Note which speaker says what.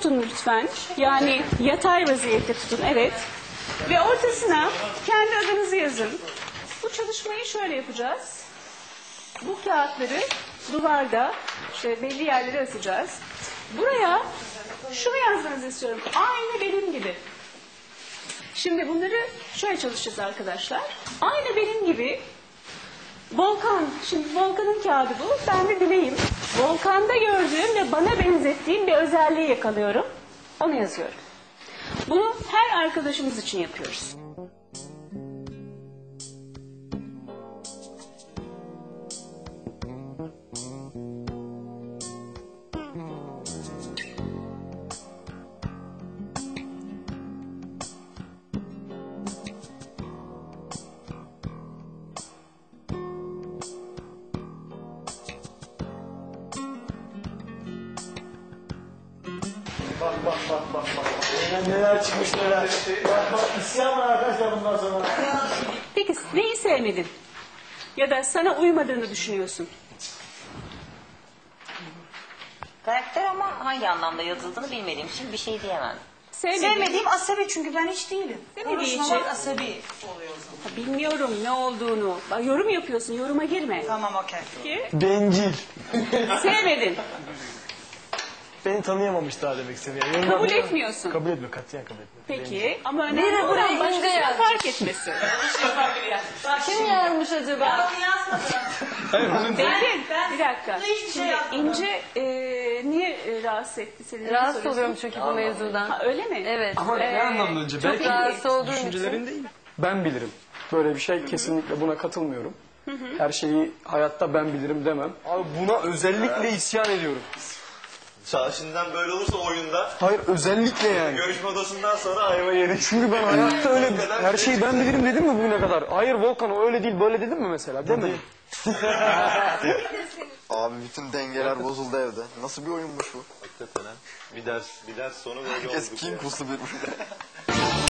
Speaker 1: tutun lütfen. Yani yatay vaziyette tutun, evet. Ve ortasına kendi adınızı yazın. Bu çalışmayı şöyle yapacağız. Bu kağıtları duvarda işte belli yerlere asacağız. Buraya şunu yazmanızı istiyorum. Aynı benim gibi. Şimdi bunları şöyle çalışacağız arkadaşlar. Aynı benim gibi Volkan, şimdi Volkan'ın kağıdı bu. Ben de Dilek'im. Volkan'da gördüğüm ve bana benzettiğim bir özelliği yakalıyorum. Onu yazıyorum. Bunu her arkadaşımız için yapıyoruz.
Speaker 2: Bak. Neler çıkmış neler. Bak isyan var arkadaşlar bundan sonra.
Speaker 1: Peki neyi sevmedin? Ya da sana uymadığını düşünüyorsun?
Speaker 3: Karakter ama hangi anlamda yazıldığını bilmediğim için bir şey diyemem.
Speaker 4: Sevmediğim asabi çünkü ben hiç değilim.
Speaker 1: Sevmediği
Speaker 4: Konuşmamak
Speaker 1: için.
Speaker 4: asabi oluyor o zaman.
Speaker 1: Ha, bilmiyorum ne olduğunu. Bak, yorum yapıyorsun, yoruma girme.
Speaker 4: Tamam okey.
Speaker 1: Peki,
Speaker 2: Bencil.
Speaker 1: sevmedin,
Speaker 2: Beni tanıyamamış daha demek istediğim. Yani
Speaker 1: kabul etmiyorsun.
Speaker 2: Kabul etmiyor, katiyen kabul etmiyor.
Speaker 1: Peki, ama önemli olan başkasına fark etmesi.
Speaker 5: Kim yazmış acaba?
Speaker 4: Onu yazmadım.
Speaker 1: Benim, bir dakika.
Speaker 4: hiçbir şey
Speaker 1: Şimdi
Speaker 4: yapmadım.
Speaker 1: İnce niye rahatsız etti seni?
Speaker 5: Rahatsız
Speaker 1: Soruyorsun.
Speaker 5: oluyorum çünkü bu mevzudan.
Speaker 1: Ha, öyle mi?
Speaker 5: Evet.
Speaker 6: Ama ne anlamda önce?
Speaker 1: çok
Speaker 6: Belki
Speaker 1: iyi.
Speaker 5: Rahatsız olduğum
Speaker 6: düşüncelerin
Speaker 5: için.
Speaker 6: değil.
Speaker 7: Ben bilirim. Böyle bir şey kesinlikle buna katılmıyorum. Her şeyi hayatta ben bilirim demem.
Speaker 6: Abi buna özellikle isyan ediyorum.
Speaker 8: Şimdiden böyle olursa oyunda
Speaker 7: Hayır özellikle yani.
Speaker 8: görüşme odasından sonra ayva yedik.
Speaker 7: Çünkü ben hayatta öyle her şeyi ben bilirim dedim mi bugüne kadar? Hayır Volkan o öyle değil böyle dedim mi mesela? Demedim.
Speaker 9: Abi bütün dengeler bozuldu evde. Nasıl bir oyunmuş bu?
Speaker 8: Hakikaten ha. Bir ders sonu böyle
Speaker 9: Herkes
Speaker 8: oldu.
Speaker 9: kin kusu birbirine.